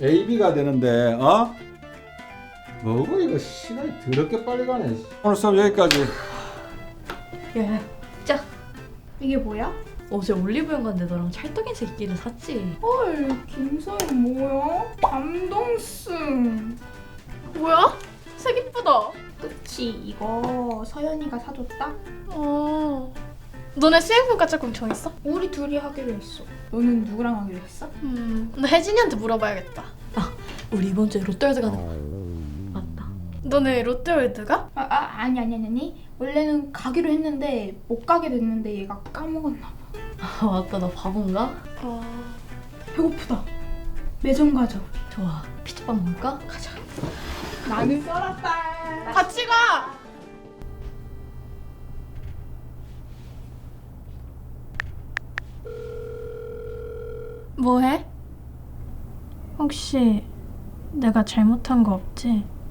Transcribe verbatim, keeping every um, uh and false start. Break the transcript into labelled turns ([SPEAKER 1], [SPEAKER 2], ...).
[SPEAKER 1] 에이 비가 되는데 어? 뭐고 이거 시간이 더럽게 빨리 가네. 오늘 수업 여기까지.
[SPEAKER 2] 야, 자.
[SPEAKER 3] 이게 뭐야?
[SPEAKER 2] 어제 올리브영 갔는데 너랑 찰떡인색 있기를 샀지.
[SPEAKER 3] 헐, 김서연 뭐야? 감동승.
[SPEAKER 4] 뭐야? 색 이쁘다.
[SPEAKER 3] 그치, 이거 서연이가 사줬다?
[SPEAKER 4] 어. 너네 수행평가 짝꿍 정했어?
[SPEAKER 3] 우리 둘이 하기로 했어. 너는 누구랑 하기로 했어?
[SPEAKER 4] 음. 나 혜진이한테 물어봐야겠다.
[SPEAKER 2] 우리 이번 주에 롯데월드 가는 거. 맞다.
[SPEAKER 4] 너네 롯데월드 가?
[SPEAKER 3] 아, 아 아니 아니 아니 아니. 원래는 가기로 했는데 못 가게 됐는데 얘가 까먹었나 봐.
[SPEAKER 2] 아 맞다. 나 바본가?
[SPEAKER 4] 어.
[SPEAKER 3] 배고프다. 매점 가자.
[SPEAKER 2] 좋아. 피자빵 먹을까?
[SPEAKER 3] 가자. 나는 썰었다.
[SPEAKER 4] 같이 가. 뭐해? 혹시 내가 잘못한 거 없지?